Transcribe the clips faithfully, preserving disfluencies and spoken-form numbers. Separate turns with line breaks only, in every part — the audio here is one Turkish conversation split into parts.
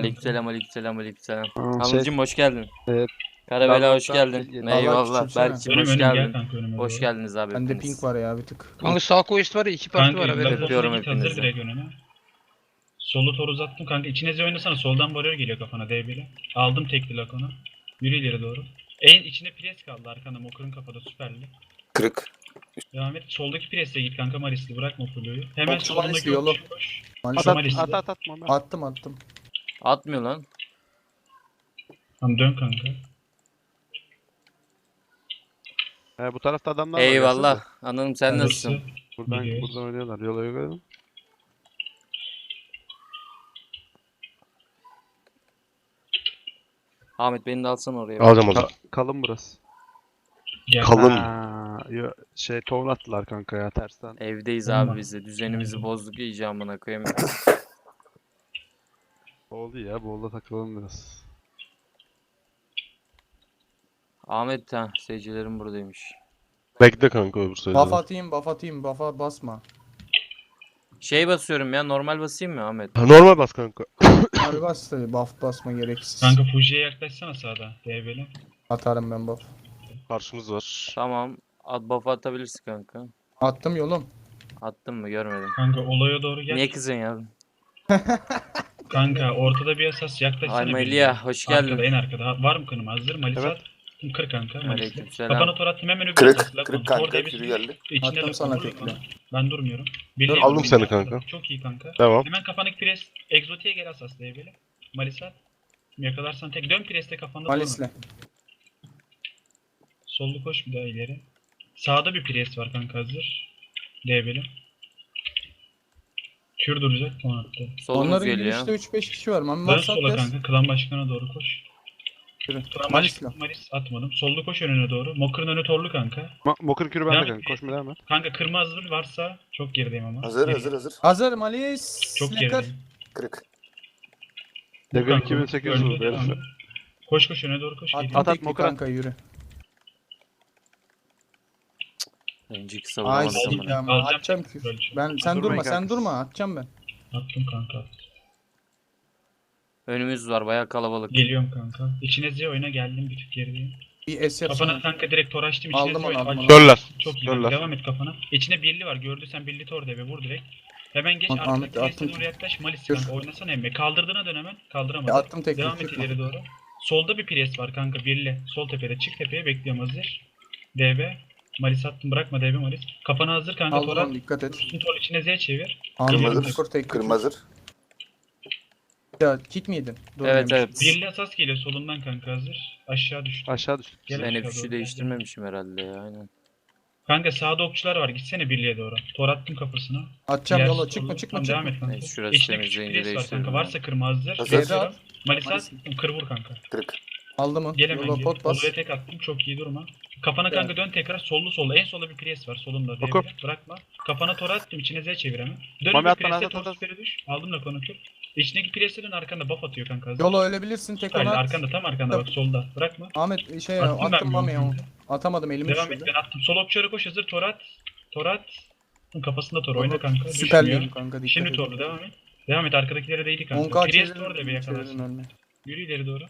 Aleykümselam, aleykümselam, aleykümselam.
Aa, şey,
Hamzacığım hoş geldin.
Evet.
Karabela hoş
Darlıktan
geldin.
yeni-
Eyvallah.
küçümseme.
Berk'cim
Önüm
hoş
önüm gel
geldin.
kanka önüme
Hoş
doğru.
geldiniz abi
Bende
hepiniz.
pink var ya bir tık.
Kanka sağ koist var ya iki parti
Kanka
var haberin olsun.
Öpüyorum
Lafon'a git hazır
hepinizi.
direkt önüme. Solu tor uzattım kanka. İçine oynasana. Soldan varıyor geliyor kafana D B'li. Aldım tekli Lakon'u. Yürü ileri doğru. En içine pres kaldı arkanda. Mokur'un kafada süperli.
Kırık.
Devam et. Soldaki presle git kanka Marisli. Bırakma Fulu'yu. Hemen
Okçu
solundaki
Marisli yolu.
okçuya koş.
Maalesef
At at
Marisli.
at at atma. lan.
attım attım.
Atmıyor lan.
Tamam dön kanka.
He, bu tarafta adamlar var.
Eyvallah.
gelsene.
Anladım sen
Alırsa
nasılsın?
Buradan
gidiyoruz.
buradan oynuyorlar. Yola yola.
Ahmet beni de alsana oraya.
Alacağım o
Ka-
zaman.
kalın burası.
Gel.
Kalın.
Ha, yo, şey tohum attılar kanka ya tersten.
Evdeyiz
Tamam.
abi biz de. Düzenimizi bozduk iyice amına koyayım.
Oldu ya. Bolda takılalım biraz.
Ahmet ha seyircilerim buradaymış.
Bekle kanka öbür sözde.
Buff atayım buff atayım buffa basma.
Şey basıyorum ya normal basayım mı Ahmet?
Normal bas kanka.
Abi bas tabi buff basma gereksiz.
Kanka Fuji'ye yaklaşsana sağda. D B'li.
Atarım ben buff.
Karşımız var.
Tamam. At buff atabilirsin kanka.
Attım yolum.
Attın mı görmedim.
Kanka olaya doğru gel.
Niye kızın ya?
Kanka ortada bir esas yaklaşsana.
Ay
birine.
Melia hoş
Arkada
geldin.
en arkada. Ha, var mı kınım hazır? Malisa
Evet.
at. Kır kanka. Malisa.
Aleykümselam.
Kafana tor attım hemen öbür
Kırık.
esas. Lakon.
Kırık
Tor
kanka.
devesi
Yürü geldi.
içinde
Attım
lakon.
sana
Dur
tekli.
bana. Ben durmuyorum.
Aldım
Birliğe
seni
vurdum
kanka.
ya. Çok iyi kanka.
Devam.
Hemen kafandaki pres. Egzotiğe gel asas diye böyle. Malisa at. Yakalarsan tek. Dön preste kafanda durma.
Malisle.
Sollu koş bir daha ileri. Sağda bir pres var kanka hazır. D B'li. Kür duracak puan attı.
Solumuz
Onların
geliyor.
girişte üç beş kişi var. Mami
Dön
varsa
sola
at yaz.
kanka. Klan başkanına doğru koş.
Yürü.
Klan
Malisle.
başkanı Malis atmadım. Sollu koş önüne doğru. Mokur'un önü torlu kanka.
Ma Mokır kürü bende
Devam
kanka.
et.
Koşma devam et.
Kanka kırmızı hazır varsa çok gerideyim ama.
Hazır
Geri-
hazır hazır.
Hazır Malis.
Çok
Lekar.
gerideyim.
Kırık.
Level
Kanka,
iki bin sekiz yüz
öldü,
oldu
devam
herif.
et. Koş koş öne doğru koş.
Attım
geliyor.
At, at,
tekli
Mokra.
kanka yürü.
Önceki
Ay
savunamadım
sikeyim
bunu.
ya.
Alacağım
Atacağım
tekli,
kür.
böyle.
Ben sen
Durmayın
durma sen
kanka.
durma atacağım ben.
Attım kanka.
Önümüz var bayağı kalabalık.
Geliyorum kanka. İçine Z oyuna geldim bir tık gerideyim.
Bir S
Kafana
yapsana.
kanka direkt tor açtım. İçine
Aldım
Z
onu,
oyuna.
aldım
Aç-
onu.
Dörler.
Çok iyi.
Dörler.
Devam et kafana. İçine birli var. Gördüysen birli tor deve vur direkt. Hemen geç.
Ahmet,
Arkadaki
attım.
presine doğru yaklaş. Malis
Dur.
kanka oynasana emme. Kaldırdığına dön hemen. Kaldıramadın.
Ya attım tekli,
Devam et
tutma.
ileri doğru. Solda bir pres var kanka. Birli. Sol tepede. Çık tepeye bekliyorum hazır. D B. Malis attım. Bırakma D B Malis. Kafana hazır kanka.
Aldım
Tora.
onu dikkat et.
Üstün tor içine Z çevir.
Aldım
Geliyorum.
skor tek.
Kırmızı hazır.
Ya kit mi yedin? Dur
Evet
demiş.
evet.
Birli asas geliyor solundan kanka hazır. Aşağı düştü.
Aşağı düştük.
Gel
Ben
aşağı
hep
doğru,
fişi
gel,
değiştirmemişim herhalde ya aynen.
Kanka sağda okçular var. Gitsene birliğe doğru. Tor attım kafasına.
Atacağım
Diğer
yola
solda-
çıkma çıkma
Tamam, devam
çıkma.
et kanka.
Neyse, şurası
İçine
temizleyince
küçük pres var
değiştiririm
kanka.
ben.
Varsa kırma hazır.
Hazır.
Geliyorum. Malisa
Malis.
kır vur kanka.
Kırık.
Aldım onu.
Gel hemen
Yola
gel.
pot bas.
Olaya tek attım. Çok iyi durma. Kafana kanka dön tekrar. Sollu sollu. En solda bir pres var. Solunda.
Oku.
devre. Bırakma. Kafana tor attım. İçine Z çevir hemen. Dön
Mami
öbür
at bana,
prese
at,
tor
at, at.
süperi düş. Aldım da konu kür. İçindeki prese dön arkanda buff atıyor kanka. Hazır.
Yola ölebilirsin tek
Hayır,
onu at.
arkanda tam arkanda bak solda. Bırakma.
Ahmet şey
Attım ben
attım
bir
Mami'ye
onu
onu.
kanka.
Atamadım elimi
Devam et
düşürdü.
ben attım. Sol okçulara koş hazır. Tor at. Tor at. Kafasında tor oyna kanka.
Süper
Düşmüyor.
liyim kanka dikkat
Şimdi
et.
torlu devam et. Devam et arkadakilere değdi kanka.
on K
Priest tor da bir
çevirin
yakalarsın.
çevirin önüne.
Yürü ileri doğru.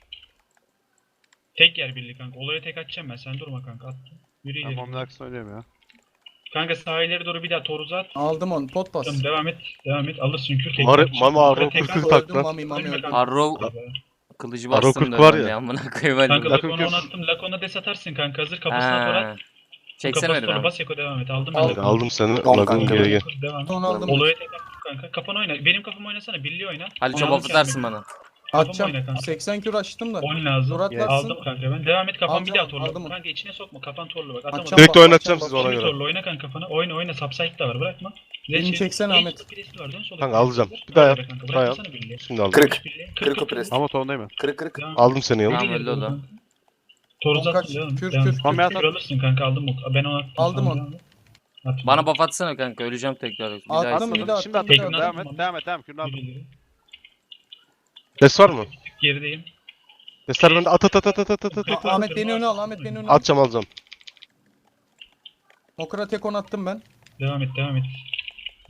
Tek yer birlik kanka. Olaya tek atacağım ben. Sen durma kanka. Attım. Yürü
Ben
ileri.
Mom'un arkasını oynuyorum ya.
Kanka sağ ileri doğru bir daha tor uzat.
Aldım onu pot bas.
Tamam, devam et. Devam et. Alırsın kür. tek
Mari-
atacağım.
Mama
Olaya
Arro
tek
kırk
at.
kırk tak
Öldüm
lan.
Mami Mami öldüm.
Arrow kılıcı
Arrow
bastım
kırk
da
var
var
ya.
ya. Amına koyayım
Kanka
hadi.
Lakon
Lakon'a
kür.
onu attım. Lakon'a des atarsın kanka. Hazır kafasına tor at.
Ha. Çeksene
Kafasına
beni
tor
abi.
bas Eko devam et. Aldım ben.
Al.
Lakon'u.
Aldım seni.
Tamam
Lagun
kanka.
geri gel.
Devam.
Son aldım.
Olaya tek attım kanka. Kafanı oyna. Benim kafamı oynasana. Birliği oyna.
Ali
Onu
çabuk
alırken
atarsın
ben-
bana.
Atacağım.
oyna kanka.
seksen kür açtım da.
On lazım.
Dur atlarsın.
Aldım kanka ben. Devam et kafan bir
Alacağım,
daha torlu.
aldım onu.
Kanka içine sokma. Kafan torlu bak. Atamadım.
Atacağım.
Direkt
bak,
oynatacağım
atacağım,
sizi
bak.
ona
Şimdi
göre.
torlu oyna kanka kafana. Oyna oyna. Subside de var. Bırakma.
Beni
Zeçi-
çeksene
İlk
Ahmet.
birisi var, dön sola.
Kanka alacağım.
Hazır.
Bir daha yap.
Kanka,
Bir daha yap.
bırakmasana birliği.
Şimdi aldım.
Kırık.
Kırık o pres.
Ama tonundayım ben.
Kırık kırık.
Devam.
Aldım seni yıl.
Tamam,
Yürü
öldü
ileri
o da.
doğru. Tor
On
uzattın
kaç?
devam.
Kür,
Devam.
kür,
Kür,
Mami at,
kür
at.
alırsın kanka aldım o. Ben onu attım.
Aldım
sana,
onu.
devam et. At.
Bana buff atsana kanka öleceğim tekrar. Bir daha
Attım,
istedim.
bir daha
Şimdi
attım, bir
atıyorum.
daha
Devam
attım.
et. Devam et. Devam et. Kürünü
Yürü
aldım.
ileri.
Des var mı?
Gerideyim.
Desler bende at at at at at at at at.
Kanka,
Ahmet beni öne al Ahmet beni öne al.
Atacağım alacağım.
Mokra tek on attım ben.
Devam et devam et.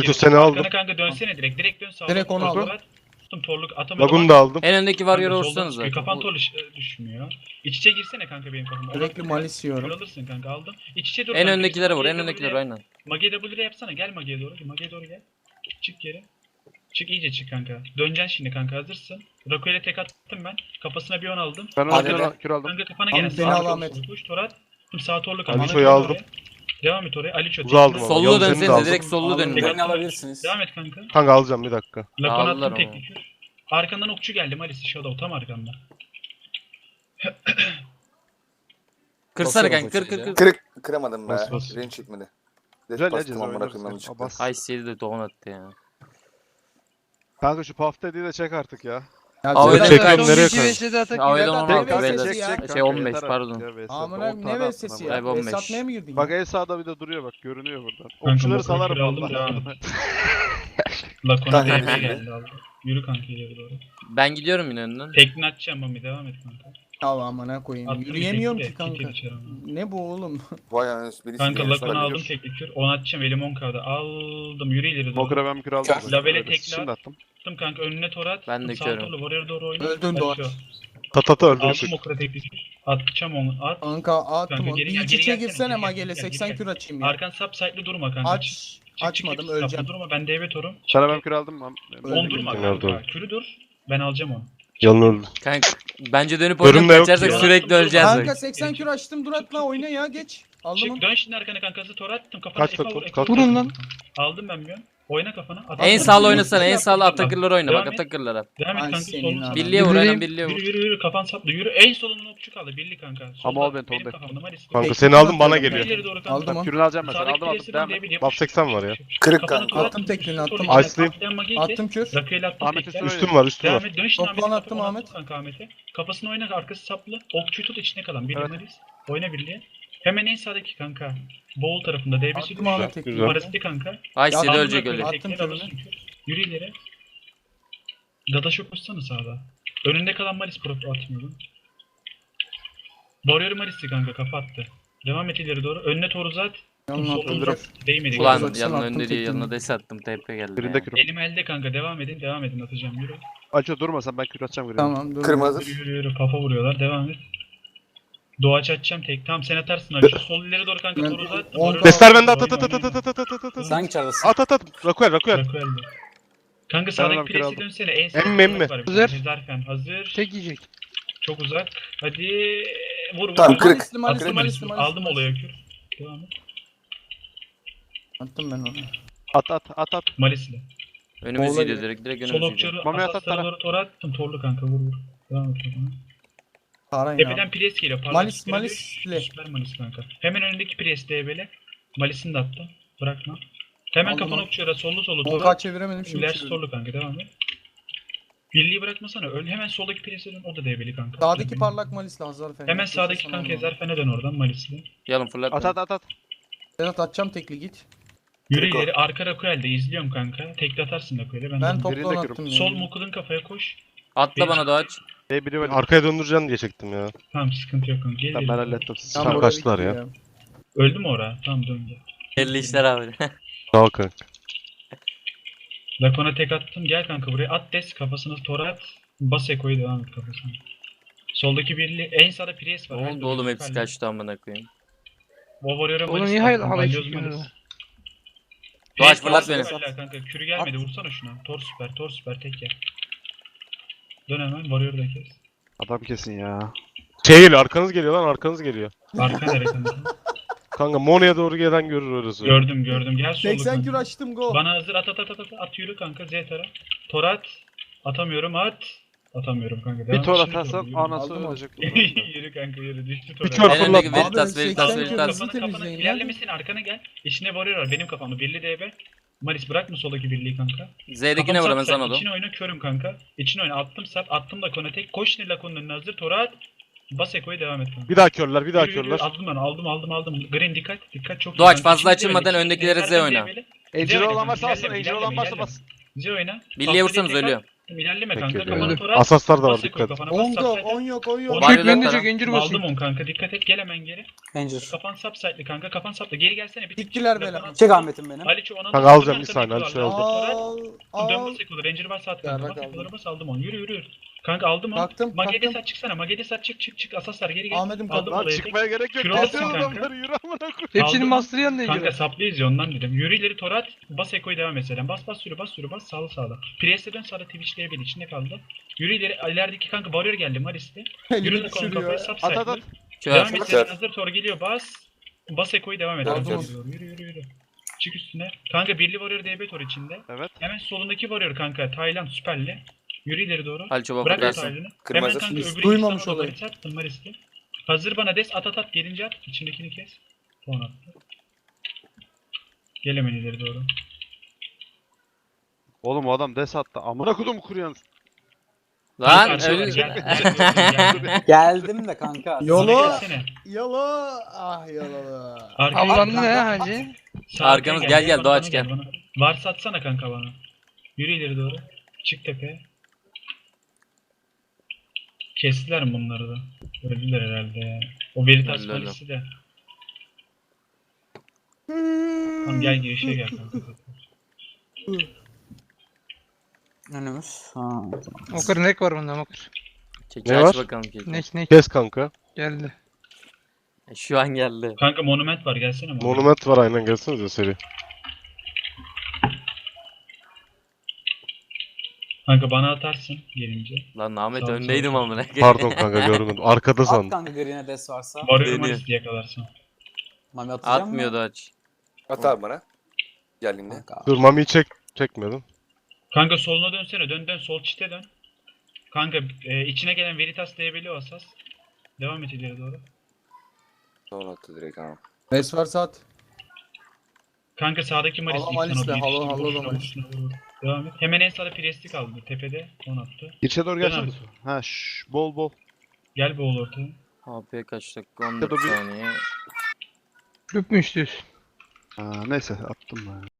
Alto seni aldım.
Arkana kanka dönsene direkt. Direkt dön sağa.
Direkt onu aldım.
Tuttum torluk atamadım.
Lagun'u da aldım.
En öndeki
Kanka
Warrior'ı
soldan
vursanız
çıkıyor.
zaten.
Kafan torlu e, düşmüyor. İç içe girsene kanka benim kafama.
Sürekli malis yiyorum.
Kör alırsın kanka aldım. İç içe dur.
En
kanka,
öndekilere
biz
vur, en
Mage'ye
öndekilere
W'ye-
aynen.
Mage'ye W'ye yapsana. Gel Mage'ye doğru. Mage'ye doğru gel. Çık geri. Çık iyice çık kanka. Döneceksin şimdi kanka, hazırsın. Rako'yla tek attım ben. Kafasına bir on aldım.
Ben
Hadi
onu
be.
kür aldım.
Kanka kafana
Abi
gelen
beni
sağ
al
sol
Ahmet.
sol koş. Torat. Sağ torlu kanka.
Aliço'yu
Devam et
aldım.
oraya. Devam et oraya. Aliço.
Uzağı aldım
tekrar-
ama.
Sollu
Yalnız seni de
dönsenize
aldım.
direkt sollu dönün.
Tek
bak.
Beni alabilirsiniz.
Devam et kanka.
Kanka alacağım bir dakika.
Lakon
Aldılar
attım
ama.
tekli kür. Arkandan okçu geldi Malis'i Shadow tam arkanda.
Kırsana
Basıyorum
kanka kır kır
uçucu.
kır.
Kırık kıramadım be.
Bas, bas.
Range çekmedi.
Güzel ya
Bastım
ceza
amına
oynarız.
koyayım
ya.
yanlışlıkla.
Bas.
Ay C'de de don attı ya.
Kanka şu puff dediği de çek artık ya.
Ya
Aa, öyle
Vedat
çekiyorum,
Vedat-
nereye
Vedat-
koyayım?
Vedat-
Aa, öyle
Vedat-
olmaz,
Vedat-
Vedat.
sesi ya.
Şey,
kanka,
on beş,
yeter
pardon.
artık ya, V S.
Amına
on
ne
tane
vesesi
attın
ya?
ama.
on beş.
V S atmaya mı girdin?
Bak en sağda bir de duruyor bak görünüyor buradan.
Kanka,
Okçuları
bu
salarım
kür aldım,
vallahi.
devam et. Lakon'a
Kanka,
D B
yürü.
geldi aldı. Yürü kanka ileri doğru.
Ben gidiyorum yine önden.
Tekni atacağım Mami, devam et kanka.
Allah amına koyayım.
Attım
Yürüyemiyorum
bir
ki
tekli de,
kanka.
git içeri ama.
Ne bu oğlum?
Vay anasını birisi
Kanka
diğerini
Lakon'u aldım
sarabiliyor.
tekli kür. onu atacağım elim on K'da. Aldım yürü ileri doğru.
Mokra ben bir kür aldım.
Kör.
zaten.
Labele
Öyle
tekli
Şimdi
at.
attım.
Attım kanka önüne torat.
Ben de
Sağ
körüm.
torlu oraya doğru oyna.
Öldün
Hadi
Doğaç.
şu.
Tatata öldü.
Aldım okra tekli kür. Atacağım onu at.
Kanka attım
Kanka,
onu.
geri
Bir
gel,
iç
geri
içe
gelsene,
girsene
geri gel,
Magel'e
geri gel,
seksen
geri
kür açayım ya.
Arkan sap site'li durma kanka.
Aç.
Çık, çık,
Açmadım
çık,
öleceğim.
saplı durma ben D B torum.
Sana ben kür aldım. lan.
Öldü
On
bir
durma
tane.
kanka.
Nerede?
Kürü dur. Ben alacağım onu.
Yalın öldü.
Kanka bence dönüp
Görünme
oynayıp
yok
kaçarsak
ya.
sürekli öleceğiz.
Kanka
bak.
seksen kür açtım dur atla oyna ya geç. Aldım onu.
Çık dön şimdi arkana kanka hızlı tor attım kafana.
Kaç
Efe
kat,
vur,
kaç
Efe
kat.
vur.
Vurun lan.
Aldım ben bir an. Oyna kafana. At-
En
at-
sağlı
at-
oynasana en
at-
sağlı
at-
atakırları oyna
Devam
bak
et.
atakırlara.
Devam et
Ay
kanka
senin
solun.
adam.
Birliğe vur aynen birliğe
Yürü
vur.
yürü yürü kafan saplı yürü. En solunun okçu kaldı birli kanka. Solda,
Ama al beni,
benim
Tolga.
kafamda Maris.
Kanka
Peki,
seni aldım bana
atıyorum
geliyor.
İleri doğru kanka.
Aldım onu.
Kürünü alacağım ben. Sen
Sağdaki
aldım aldım.
presi
Devam
dön,
et.
D B yap.
Buff seksen var ya.
Kırık
Kafana
kanka.
tor
Attım tekniğini, attım.
Tor-
Ice'lıyım.
Atlayan Magi'yi kes.
Attım kür.
Rakıyla attım
Ahmet'e
tekrar.
söyle.
Üstüm var üstüm
Devam
var.
et. Dön şimdi
Toplan
Ahmet'e.
attım
Kafana
Ahmet.
tut kanka Ahmet'e. Kafasını oyna arkası saplı. Okçuyu tut içine kalan. Birli
Evet.
Maris. Oyna birliğe. Hemen en sağdaki kanka. Boğul tarafında D B'si
Attım
düşüyor.
Ahmet tekniği.
Güzel.
Parasiti kanka.
Ay
Ya,
C'de
aldım
ölecek
ben,
öyle.
attım
Tekniğe
körünü.
alırsın kür. Yürü ileri. Dadaş'a koşsana sağda. Önünde kalan Maris proto atmıyordum. Warrior Maris'i kanka kafa attı. Devam et ileri doğru. Önüne tor uzat.
Yanına
Solun
attım.
uzat. Değmedi.
Ulan
Uzaksan
yanına
attım
önde diye
tekniğini.
yanına des attım T P geldi.
Birinde
ya.
kürüm.
Elim elde kanka. Devam edin. Devam edin. Atacağım. Yürü.
Aço durmasan ben kür atacağım. Tamam.
Tamam dur.
Kırmızı.
Yürü yürü yürü. Kafa vuruyorlar. Devam et. Doğaç açacağım tek. Tamam sen atarsın abi. Şu sol ileri doğru kanka.
Ben-
Tor uzat.
on
Warrior-
Destler bende at at
Oyna,
at at
oyna,
at at at at at at.
Sen çağırdasın.
At at at. Rakuel Rakuel.
Rakuel'de. Kanka
Ben
sağdaki
adam
presi
kiraladım.
dönsene. En
Em,
sağda
em mi?
var bir
Hazır.
tane. Zarfen hazır.
Tek yiyecek.
Çok uzak. Hadi vur vur.
Tamam,
vur.
kırık.
Malisli malisli
Attım
malisli
Malis'i.
malisli.
Aldım olaya kür. Devam et.
Attım ben onu.
At at at at.
Malis'le.
Önümüz
Olay
gidiyor
ya.
direkt direkt
Sol
önümüz gidiyor.
okçuları
Mami at,
asaslara
at,
doğru tor attım. Torlu kanka vur vur. Devam et. bakalım.
Paran ya.
Tepeden pres geliyor. Parlak
Malis,
süperi
Malis'le.
düş. Süper Malis kanka. Hemen önündeki pres D B'le. Malis'ini de attım. Bırakma. Hemen
Aldım
kafanı
onu.
okçulara sollu sollu tor
Volkan
at.
çeviremedim şimdi
İlerisi
çevirdim.
sollu kanka devam et. Birliği bırakmasana. Öl hemen soldaki prese dön. O da D B'li kanka.
Sağdaki parlak Malisli Hazar Efendi.
Hemen sağdaki
Sana
kanka
onu.
Ezerfen'e dön oradan Malis'le.
Yalın fırlat.
At
beni.
at at at.
Sedat atacağım tekli git.
Yürü
Triko.
ileri arka Rakuel'de izliyorum kanka. Tekli atarsın Rakuel'e. Ben,
Ben
de-
toplan
Birinde
attım
kürüm.
yani.
Sol Mukud'un kafaya koş.
Atla bana Doğaç.
Hey biri öyle.
Arkaya döndüreceğim diye çektim ya.
Tamam sıkıntı yok kanka. Gel
Tamam
ileri.
ben hallettim. Siz
Tam
Tamam,
oraya
kaçtılar
bitti
ya.
Öldü mü ora? Tamam döndü.
Belli işler abi.
Sağ ol kanka.
Lakon'a tek attım. Gel kanka buraya. At des kafasına tora at. Bas Eko'yu devam et kafasına. Soldaki birliği. En sağda Priest var.
Ne
Her
oldu
türlü
oğlum hepsi
süperli.
kaçtı amına koyayım.
O Warrior'a
Oğlum
Malis
niye
attım,
hala halay
Balyoz
çekiyorsun
Malis.
Doğaç
Priest
fırlat
var,
beni.
süperler Kanka. Kürü gelmedi. Vursana şuna. Tor süper. Tor süper. Tek yer. Dön hemen. Warrior'ı da kes.
Adam kesin ya.
Şey geliyor arkanız geliyor lan arkanız geliyor.
Arka nereye kanka?
Kanka Mono'ya doğru gelen görür orası.
Gördüm gördüm. Gel solda
seksen
kanka.
kür açtım go.
Bana hazır at at at at at, at yürü kanka Z tara. Tor at. Atamıyorum at. Atamıyorum kanka.
Bir
Devam
tor
et, şimdi
atarsan
doğru, yürü.
anası
Aldım onu.
ölecek.
Yürü kanka yürü düştü tora.
Bir tor
En
fırlat.
öndeki
Abi,
Veritas Veritas
seksen
Veritas.
kırmızı
Kafanı kafanı
temizleyin ya.
ilerlemesin arkana gel. İçine Warrior var benim kafamda. Birli D B. Malis bırakma soldaki birliği kanka.
Z'dekine
Kafam
vur hemen
sap,
sana
sap.
da.
İçine oyna körüm kanka. İçine oyna attım sap attım da kona tek. Koş şimdi Lakon'un önüne hazır. Tora at. Bas Eko'ya devam et kanka.
Bir daha körler bir daha
Yürü, yürü,
körler.
Aldım ben aldım aldım aldım. Green dikkat dikkat çok iyi
Doğaç,
kanka.
fazla
İçine
açılmadan
D B, içine
öndekilere
D B,
Z oyna.
D B'li.
Encir
oyna
olan
kanka,
varsa alsın.
ilerleme,
Encir olan
ilerleme,
varsa
ilerleme.
bas.
Z oyna.
Birliğe
Safta
vursanız
tek at.
ölüyor.
İlerleme
Peki,
kanka.
geliyor.
Kafanı tora at.
Asaslar da var
Bas Eko'yu
dikkat.
kafana. Bas
On go,
sap
on yok, on yok.
On
Var
yok.
ya zaten.
Aldım on kanka dikkat et gel hemen geri.
Ranger.
Kafan subside'li kanka kafan sapla geri gelsene bir tık.
Gittiler
Kafana-
bela.
Çek Ahmet'im benim.
Aliço ona
Kanka alacağım, bir saniye, Aliço'yu aldım.
Al,
Dön
al.
bas Eko'da Ranger varsa at
Ya,
kanka.
bak
Bas
aldım.
Eko'lara bas aldım onu yürü yürü. Kanka aldı mı?
Kalktım,
Magede
kalktım.
sat çıksana. Magede sat çık çık çık. Asaslar geri gel.
Ahmet'im
Aldım
kalktı.
Lan
olayı.
çıkmaya gerek yok.
Kür
Kesin
olasın kanka.
adamları yürü amına koyayım.
Hepsinin
Aldım.
master yanına
Kanka
gidiyor.
saplıyız ya ondan dedim. Yürü ileri Torat. Bas Eko'yu devam et Selen. Bas bas sürü bas sürü bas sağlı sağlı. Priest'e dön sağda Twitch'lere bir içinde kaldı. Yürü ileri ilerideki kanka warrior geldi Maris'te. Yürü
Elini
de konu
düşürüyor.
kafaya sap
At at
cycle.
at.
Devam
Kör.
et
Kör.
Selen hazır Tor geliyor bas. Bas Eko'yu devam et.
Devam
Yürü,
et.
yürü yürü yürü. Çık üstüne. Kanka birli warrior D B Tor içinde.
Evet.
Hemen solundaki warrior kanka Tayland süperli. Yürü ileri doğru.
Hal çabuk
Bırak
bakarsın.
Tayland'ı. Hemen
Kırmızı.
kanka
Biz
öbürü
duymamış
İstanbul'da
olayı.
Maris attın Maris'te. Hazır bana des at at at gelince at. İçindekini kes. Puan attı. Gel hemen ileri doğru.
Oğlum o adam des attı. Amına kodum kuruyan.
Lan
Kanka,
öyle...
gel, gel, gel, gel.
Geldim de kanka.
Yolu.
Bana gelsene.
Yolo. Ah yolo.
Arkaya
Avlandı
gel.
ne hacı?
Sağ
Arkanız,
arkaya
gel, gel,
bana,
Doğaç,
bana
gel.
bana. Varsa atsana kanka bana. Yürü ileri doğru. Çık tepeye. Kestiler mi bunları da? Öldüler herhalde ya. O Veritas
Öldü, öldü.
polisi de. Tamam gel girişe gel kanka.
Önümüz. Ha.
Mokır nek var bunda mokır.
Keki
Ne
aç
var?
bakalım keki.
Nek nek
Kes kanka.
geldi.
Şu an geldi.
Kanka monument var gelsene. Monument.
Monument var aynen gelsenize seri.
Kanka bana atarsın gelince.
Lan Ahmet
Sağ ol,
öndeydim
sağ ol.
amına.
Pardon kanka görmedim. Arkada
At
sandım.
kanka green'e des varsa.
Warrior
Deniyor.
Maris diye yakalarsın.
Mami atacağım
Atmıyordu
mı?
aç.
At abi bana. Geldiğimde.
Kanka.
Dur Mami'yi çek. Çekmedim.
Kanka soluna dönsene. Dön dön sol çite dön. Kanka e, içine gelen Veritas diyebiliyor asas. Devam et ileri doğru.
Sonra attı direkt ama.
Res varsa at.
Kanka sağdaki Maris.
Halo
ilk
Maris'le,
sana
halo,
yetişti,
halo
boşuna,
da Maris.
boşuna vur. Devam et. Hemen en sağda Priest'i kaldı. Tepede. On attı.
İçe doğru
Dön
gelsene.
abi.
Ha şş, bol bol.
Gel boğul ortaya.
A P kaç dakika? on
Ya da
dört
bir-
saniye.
Kulüp mü istiyorsun?
Ha, neyse attım ben.